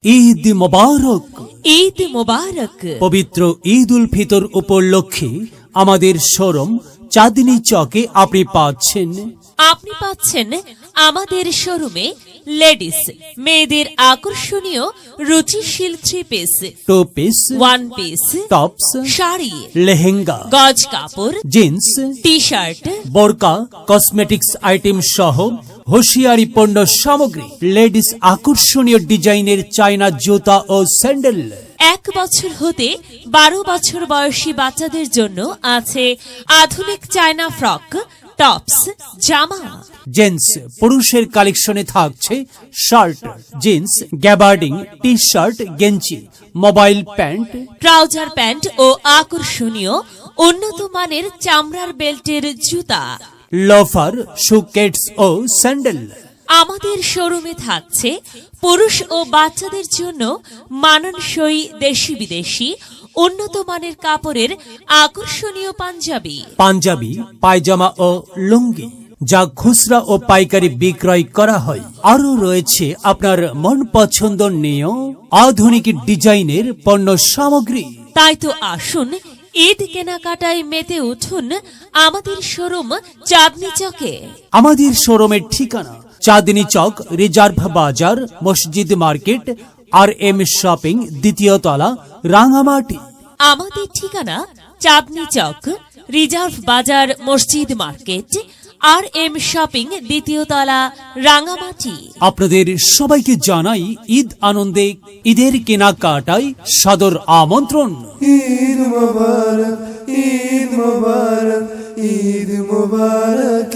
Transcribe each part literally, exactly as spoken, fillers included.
ঈদ মোবারক। ঈদ মোবারক। পবিত্র ঈদ উল ফিতর উপলক্ষে আমাদের শোরুম চাঁদনী চকে আপনি পাচ্ছেন আপনি পাচ্ছেন আমাদের শোরুমে লেডিস মেয়েদের আকর্ষণীয় রুচিশীল three piece, two piece, one piece, tops, sari, lehenga, গজ কাপড়, জিন্স, টি শার্ট, বোরকা, কসমেটিক্স আইটেম সহ হুঁশিয়ারি পণ্য সামগ্রী, লেডিস আকর্ষণীয় ডিজাইনের চায়না জুতা ও স্যান্ডেল। এক বছর হতে বারো বছর বয়সী বাচ্চাদের জন্য আছে আধুনিক চায়না ফ্রক, টপস, জামা। জেন্টস পুরুষের কালেকশনে থাকছে shirt, jeans, gabardine, T shirt, গেঞ্জি, মোবাইল প্যান্ট, ট্রাউজার প্যান্ট ও আকর্ষণীয় উন্নত মানের চামড়ার বেল্টের জুতা, লোফার, শুকেটস ও স্যান্ডেল। আমাদের শোরুমে থাকছে পুরুষ ও বাচ্চাদের জন্য মানানসই দেশি বিদেশি উন্নত মানের কাপড়ের আকর্ষণীয় পাঞ্জাবি, পাঞ্জাবি, পায়জামা ও লুঙ্গি, যা খুচরা ও পাইকারি বিক্রয় করা হয়। আরও রয়েছে আপনার মন পছন্দনীয় আধুনিক ডিজাইনের পণ্য সামগ্রী। তাই তো আসুন ঈদ কেনাকাটায় মেতে উঠুন আমাদের শোরুম চাঁদনী চকে। আমাদের শোরুমের ঠিকানা চাঁদনী চক, রিজার্ভ বাজার, মসজিদ মার্কেট, আর এম শপিং, দ্বিতীয় তলা, রাঙামাটি। আমাদের ঠিকানা চাঁদনী চক, রিজার্ভ বাজার, মসজিদ মার্কেট, আর এম শপিং, দ্বিতীয় তলা, রাঙামাটি। আপনাদের সবাইকে জানাই ঈদ আনন্দে ঈদের কেনাকাটায় সাদর আমন্ত্রণ। ঈদ মোবারক, ঈদ মোবারক, ঈদ মোবারক,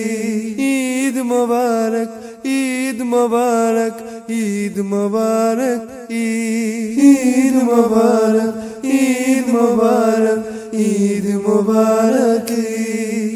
ঈদ মোবারক, ঈদ মোবারক, ঈদ মোবারক, ঈদ মোবারক, ঈদ মোবারক, ঈদ মোবারক।